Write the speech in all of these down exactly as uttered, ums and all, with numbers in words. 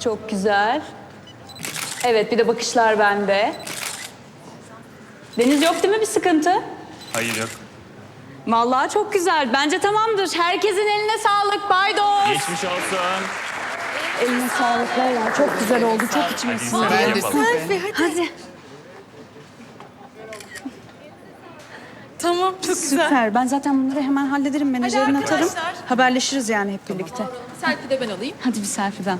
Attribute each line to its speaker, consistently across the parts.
Speaker 1: Çok güzel. Evet, bir de bakışlar bende. Deniz yok değil mi bir sıkıntı?
Speaker 2: Hayır yok.
Speaker 1: Vallahi çok güzel. Bence tamamdır. Herkesin eline sağlık. Baydos.
Speaker 2: Geçmiş olsun.
Speaker 1: Eline sağlık Leyla. Çok güzel oldu. Çok içime sindi.
Speaker 2: Ben
Speaker 3: de
Speaker 2: yapalım.
Speaker 3: Selfie,
Speaker 1: Hadi.
Speaker 3: Tamam, çok güzel.
Speaker 1: Süper. Ben zaten bunları hemen hallederim. Menajerine atarım.
Speaker 3: arkadaşlar.
Speaker 1: Haberleşiriz yani hep birlikte.
Speaker 3: Selfie de ben alayım.
Speaker 1: Hadi bir selfie'den.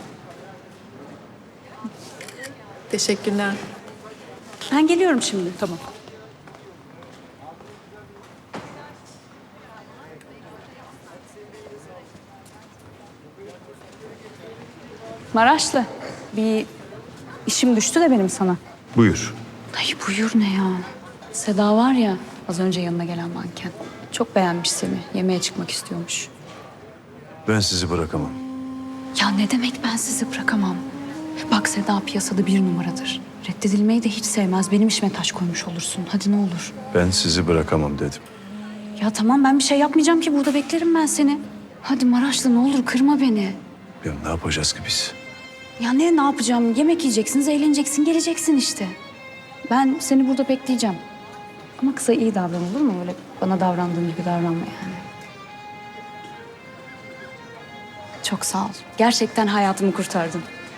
Speaker 3: Teşekkürler.
Speaker 1: Ben geliyorum şimdi. Tamam. Maraşlı, bir işim düştü de benim sana.
Speaker 4: Buyur.
Speaker 1: Ay buyur ne ya? Seda var ya, az önce yanına gelen manken. Çok beğenmiş seni, yemeğe çıkmak istiyormuş.
Speaker 4: Ben sizi bırakamam.
Speaker 1: Ya ne demek ben sizi bırakamam? Bak Seda piyasada bir numaradır. Reddedilmeyi de hiç sevmez. Benim işime taş koymuş olursun. Hadi ne olur.
Speaker 4: Ben sizi bırakamam dedim.
Speaker 1: Ya tamam ben bir şey yapmayacağım ki. Burada beklerim ben seni. Hadi Maraşlı ne olur kırma beni.
Speaker 4: Ya ne yapacağız ki biz?
Speaker 1: Ya ne ne yapacağım? Yemek yiyeceksiniz, eğleneceksin, geleceksin işte. Ben seni burada bekleyeceğim. Ama kıza iyi davran olur mu? Öyle bana davrandığın gibi davranma yani. Çok sağ ol. Gerçekten hayatımı kurtardın.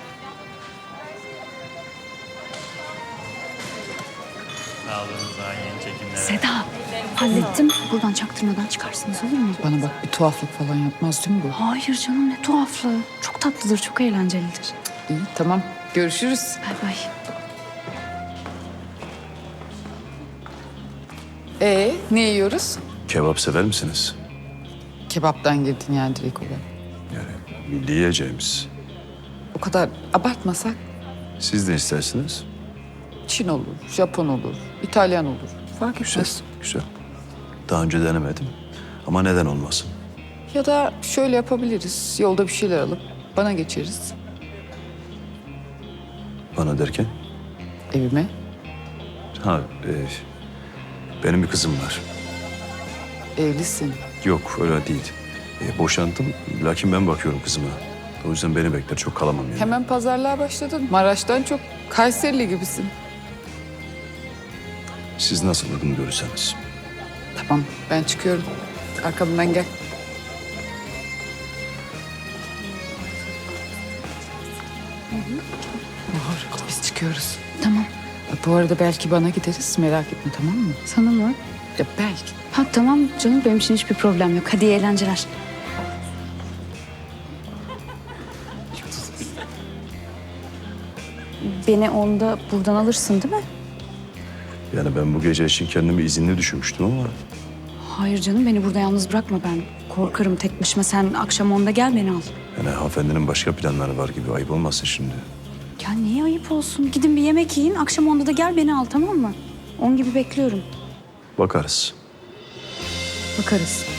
Speaker 2: Sağ olun daha yeni çekimlere.
Speaker 1: Seda, hallettim. Buradan çaktırmadan çıkarsınız olur mu?
Speaker 5: Bana bak bir tuhaflık falan yapmaz değil mi bu?
Speaker 1: Hayır canım ne tuhaflığı. Çok tatlıdır, çok eğlencelidir.
Speaker 5: İyi tamam görüşürüz.
Speaker 1: Bay bay.
Speaker 5: Ee ne yiyoruz?
Speaker 4: Kebap sever misiniz?
Speaker 5: Kebaptan girdin yani direkt olarak.
Speaker 4: Yani milli yiyeceğimiz.
Speaker 5: O kadar abartmasak
Speaker 4: Siz de istersiniz.
Speaker 5: Çin olur, Japon olur, İtalyan olur. Fark
Speaker 4: Güzel,
Speaker 5: etmez.
Speaker 4: güzel. Daha önce denemedim. Ama neden olmasın?
Speaker 5: Ya da şöyle yapabiliriz. Yolda bir şeyler alıp bana geçeriz.
Speaker 4: Bana derken?
Speaker 5: Evime.
Speaker 4: Ha, e, benim bir kızım var.
Speaker 5: Evlisin.
Speaker 4: Yok, öyle değil. E, boşandım, lakin ben bakıyorum kızıma. O yüzden beni bekler, çok kalamam yani.
Speaker 5: Hemen pazarlığa başladın. Maraş'tan çok Kayserili gibisin.
Speaker 4: Siz nasıl uygun görürseniz.
Speaker 5: Tamam ben çıkıyorum. Arkamdan gel. Bahar biz çıkıyoruz.
Speaker 1: Tamam.
Speaker 5: Bu arada belki bana gideriz merak etme tamam mı?
Speaker 1: Sana mı?
Speaker 5: Ya belki.
Speaker 1: Ha tamam canım benim için hiçbir problem yok. Hadi iyi eğlenceler. Beni onda buradan alırsın değil mi?
Speaker 4: Yani ben bu gece için kendimi izinli düşünmüştüm ama...
Speaker 1: Hayır canım beni burada yalnız bırakma ben. Korkarım tek başıma sen akşam onda gel beni al.
Speaker 4: Yani hanımefendinin başka planları var gibi, ayıp olmasın şimdi.
Speaker 1: Ya niye ayıp olsun? Gidin bir yemek yiyin akşam onda da gel beni al tamam mı? On gibi bekliyorum.
Speaker 4: Bakarız.
Speaker 1: Bakarız.